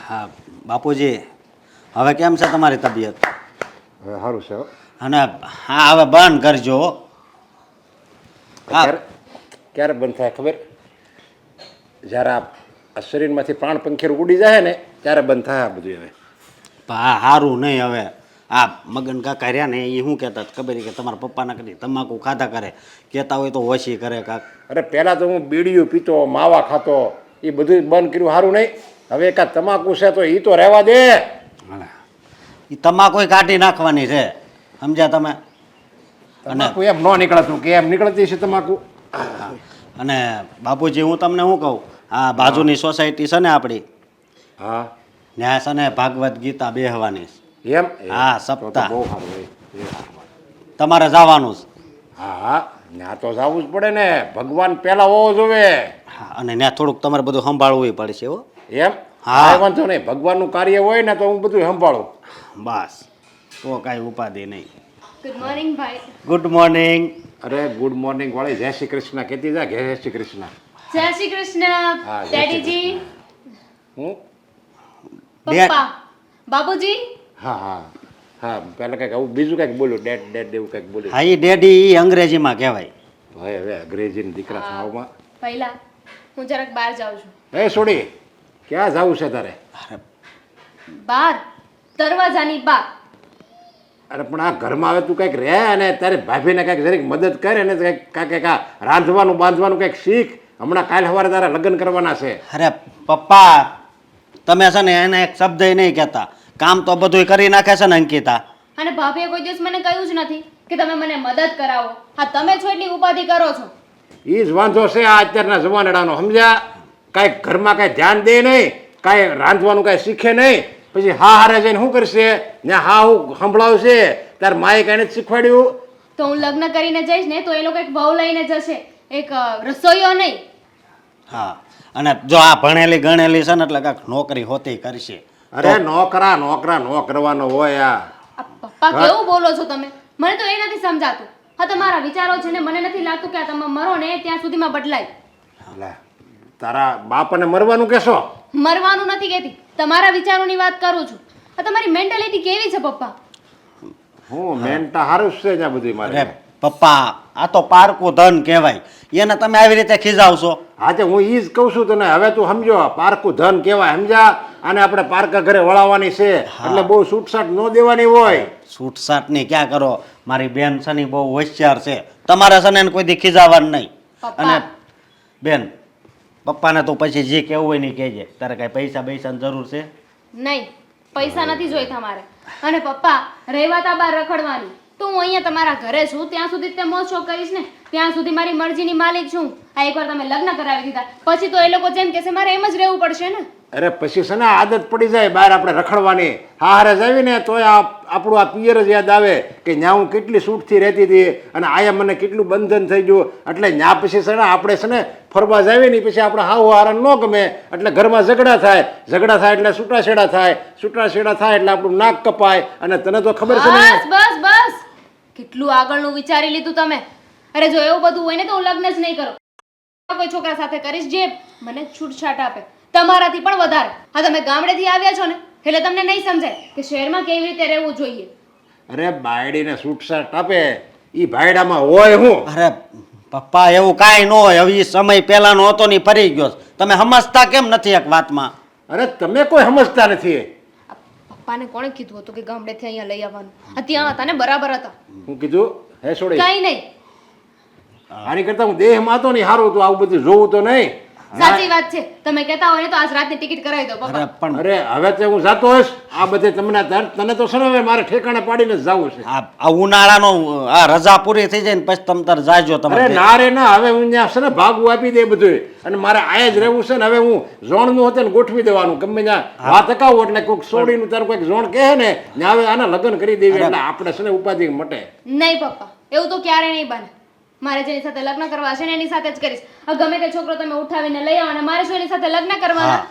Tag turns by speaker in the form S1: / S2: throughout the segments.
S1: હા બાપુજી, હવે કેમ છે તમારી તબિયત?
S2: હવે સારું છે હો.
S1: અને હા હવે બંધ કરજો હો. હા
S2: ક્યારે બંધ થાય ખબર? જ્યારે આ શરીરમાંથી પ્રાણ પંખીર ઉડી જાય ને ત્યારે બંધ થાય આ બધું. હવે
S1: હા સારું નહીં. હવે આ મગન કાકા રહ્યા ને એ શું કહેતા ખબર કે તમારા પપ્પાના કરી તમાકુ ખાધા કરે, કહેતા હોય તો ઓછી કરે કાક.
S2: અરે પહેલાં તો હું બીડીયું પીતો, માવા ખાતો, એ બધું બંધ કર્યું. સારું નહીં. હવે એકાદ તમાકુ છે તો એ તો રહેવા દે.
S1: એ તમાકુ કાઢી નાખવાની છે, સમજ્યા તમે?
S2: તમાકુ એમ ન નીકળતું કે એમ નીકળતી છે તમાકુ.
S1: અને બાપુજી હું તમને શું કહું, આ બાજુની સોસાયટી છે ને આપણી,
S2: હા
S1: ત્યાં છે ને ભાગવત ગીતા બેહવાની છે.
S2: એમ?
S1: હા,
S2: તો
S1: સપ્તાહ
S2: બહુ સારું હોય.
S1: તમારે જવાનું છે.
S2: હા હા, ત્યાં તો જવું જ પડે ને. ભગવાન પહેલા હોવો જોવે.
S1: હા, અને ત્યાં થોડુંક તમારે બધું સંભાળવું પડશે હો.
S2: એમ?
S1: હા.
S2: કાંઈ વાંધો નહીં. ભગવાનનું કાર્ય હોય ને તો હું બધું સંભાળું.
S1: બસ, તો કાંઈ ઉપાધિ નહીં.
S3: ગુડ મોર્નિંગ ભાઈ.
S1: Good morning.
S2: અરે ગુડ મોર્નિંગ વાળી જય શ્રી કૃષ્ણ કહેતી જા. જય શ્રી કૃષ્ણ.
S3: જય શ્રી કૃષ્ણ
S2: હા, જય શ્રી
S3: ડેડીજી,
S2: હું
S3: પપ્પા, બાબુજી.
S2: હા હા હા, પહેલાં કંઈક આવું બીજું કંઈક બોલ્યું. ડેડ ડેડ એવું કંઈક બોલ્યું.
S1: હા, એ ડેડી ઈ અંગ્રેજીમાં કહેવાય.
S2: ભાઈ હવે અંગ્રેજીના દીકરા થાવમાં.
S3: પહેલા હું જરાક બહાર જાઉં છું.
S2: એ છોડી, ક્યાં જવું છે તારે?
S3: બહાર દરવાજાની બહાર.
S2: અરે પણ આ ઘરમાં હવે તું કંઈક રહે અને તારે ભાભીને કંઈક જરીક મદદ કરે ને કંઈક આ રાંધવાનું બાંધવાનું કંઈક શીખ. હમણાં કાલ સવારે તારા લગ્ન કરવાના છે.
S1: અરે પપ્પા, તમે છે ને એને એક શબ્દ નહીં કહેતા. કામ તો બધું કરી નાખે છે ને અંકિતા.
S3: અને ભાભીએ કોઈ દિવસ મને કહ્યું જ નથી કે તમે મને મદદ કરાવો. હા, તમે છો એટલી ઉપાધિ કરો છો.
S2: એ જ વાંધો છે આ અત્યારના જમાનાનો, સમજ્યા? કાંઈક ઘરમાં કાંઈ ધ્યાન દે નહીં, કાંઈ રાંધવાનું કાંઈ શીખે નહીં. પછી હા હારે જઈને શું કરશે? ને હા હું સંભળાવશે. તાર માએ કાંઈ નથી શીખવાડ્યું.
S3: તો હું લગ્ન કરીને જઈશ ને તો એ લોકો એક વહુ લઈને જશે, એક રસોઈયો નહીં.
S1: હા, અને જો આ ભણેલી ગણેલી છે ને એટલે કાંઈક નોકરી હોતી કરશે.
S2: અરે નોકરા નો કરવાનો હોય આ.
S3: આ પપ્પા કેવું બોલો છો તમે? મને તો એ નથી સમજાતું. હા, તમારા વિચારો છે ને મને નથી લાગતું કે આ તમે મરો ને ત્યાં સુધીમાં બદલાય.
S2: લે, તારા બાપને મરવાનું કહેશો?
S3: મરવાનું નથી કહેતી, તમારા વિચારોની વાત કરું છું. આ તમારી મેન્ટાલિટી કેવી છે પપ્પા?
S2: હું મેનતા હારું જ છે ત્યાં બધું મારે.
S1: અરે પપ્પા, આ તો પારકું ધન કહેવાય. એને તમે આવી રીતે ખીજાવશો?
S2: હા, હું ઈ જ કહું છું તને. હવે તું સમજો, પારકું ધન કહેવાય, સમજા? આને આપણે પારકા ઘરે વળાવવાની છે એટલે બહુ છૂટછાટ ન દેવાની હોય.
S1: છૂટછાટની ક્યાં કરો? મારી બેન છે ને બહુ હોશિયાર છે. તમારે છે ને એને કોઈ દી ખીજાવાનું નહીં. અને બેન, પપ્પાને તો પછી જે કહેવું હોય ને કહેજે. તારે કાંઈ પૈસા પૈસાની જરૂર છે?
S3: નહીં, પૈસા નથી જોઈતા મારે. અને પપ્પા, રહેવાતા બાર રખડવાની તો હું અહીંયા તમારા ઘરે છું ત્યાં સુધી તે મોજ શોખ કરીશ ને. ત્યાં સુધી મારી મરજીની માલિક છું. આ એકવાર તમે લગ્ન કરાવી દીધા પછી તો એ લોકો જેમ કહેશે મારે એમ જ રહેવું પડશે ને.
S2: અરે પછી છે ને આદત પડી જાય બહાર આપણે રખડવાની. હારે જાવી ને તોય આપણું આ પિયર જ યાદ આવે કે ન્યા હું કેટલી છૂટથી રહેતી હતી અને આયા મને કેટલું બંધન થઈ ગયું. એટલે ન્યા પછી છે ને આપણે છે ને ફરવા જાવી ને પછી આપણે હાવ હારણ ન ગમે એટલે ઘરમાં ઝઘડા થાય. ઝઘડા થાય એટલે છૂટાછેડા થાય. છૂટાછેડા થાય એટલે આપણું નાક કપાય. અને તને તો ખબર છે ને.
S3: બસ બસ બસ, કેટલું આગળનું વિચારી લીધું તમે. અરે જો એવું બધું હોય ને તો હું લગ્ન જ નહીં કરું. કોઈ છોકરા સાથે કરીશ જે મને છૂટછાટ આપે, તમારાથી પણ વધારે. હા, તમે ગામડેથી આવ્યા છો ને એટલે તમને નહીં સમજાય કે શહેરમાં કેવી રીતે રહેવું જોઈએ.
S2: અરે બાયડીને છૂટછાટ આપે એ ભાયડામાં હોય હું?
S1: અરે પપ્પા, એવું કાંઈ ન હોય. હવે એ સમય પહેલાનો હતો ને ફરી ગયો. તમે સમજતા કેમ નથી એક વાતમાં?
S2: અરે તમે કોઈ સમજતા નથી.
S3: આ પપ્પાને કોણે કીધું હતું કે ગામડેથી અહીંયા લઈ આવવાનું? આ ત્યાં હતા ને બરાબર હતા.
S2: હું કીધું હે છોડી?
S3: કઈ નહીં.
S2: આની કરતા હું દેહમાં હતો ને સારું હતું. આવું બધું જોવું તો નહીં.
S3: સાચી વાત છે. તમે કહેતા હોય ને તો આજ રાતની ટિકિટ કરાવી દો પપ્પા.
S1: અરે પણ
S2: અરે હવે તો હું જાતો હોઈશ. આ બધે તને તો છે ને હવે મારે ઠેકાણે પાડીને જ જવું છે.
S1: આ ઉનાળાનો આ રજા પૂરી થઈ જાય ને પછી તમે તાર જાજો.
S2: અરે
S1: તમે
S2: ના રે ના, હવે હું ત્યાં છે ને ભાગવું આપી દે બધું. અને મારે આયા જ રહેવું છે ને. હવે હું ઝોણનું હતું ને ગોઠવી દેવાનું ગમે ત્યાં વાત અકાવું એટલે કોઈક સોડીનું તારું કોઈક ઝોણ કહે ને ત્યાં હવે આના લગ્ન કરી દેવી એટલે આપણે છે ને ઉપાધિ મટે.
S3: નહીં પપ્પા, એવું તો ક્યારે નહીં બને. મારે જેની સાથે લગ્ન કરવા છે ને એની સાથે જ કરીશ. આ ગમે તે છોકરો તમે ઉઠાવીને લઈ આવો અને મારે શું એની સાથે લગ્ન કરવાના?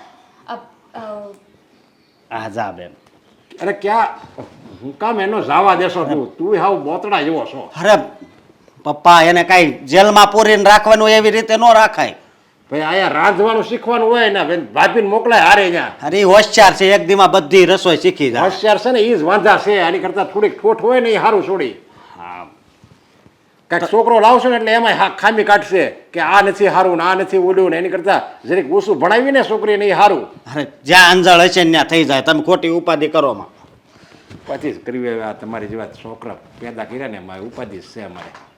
S1: હા જા બેન.
S2: અરે ક્યાં હું કામ એનો જાવા દેશો તું હાવ બોતડા જેવો છો.
S1: અરે પપ્પા, એને કાંઈ જેલમાં પૂરીને રાખવાનું એવી રીતે ન રાખાય.
S2: ભાઈ અહીંયા રાંધવાનું શીખવાનું હોય ને ભાભીને મોકલાય હારે ત્યાં
S1: અરે ઈ હોશિયાર છે, એક દીમાં બધી રસોઈ શીખી જાય.
S2: હોશિયાર છે ને એ જ વાંધા છે. આની કરતાં થોડીક ઠોઠ હોય ને એ સારું છોડી. હા, કાંઈક છોકરો લાવશો ને એટલે એમાં ખામી કાઢશે કે આ નથી સારું ને આ નથી ઓલું ને. એની કરતાં જરીક ઓછું ભણાવીને છોકરીને એ સારું.
S1: અરે જ્યાં અંજળ હશે ને ત્યાં થઈ જાય, તમે ખોટી ઉપાધિ કરોમાં.
S2: પછી જ કરવી હવે. આ તમારી જેવા છોકરા પેદા કર્યા ને એમાં ઉપાધિ છે અમારે.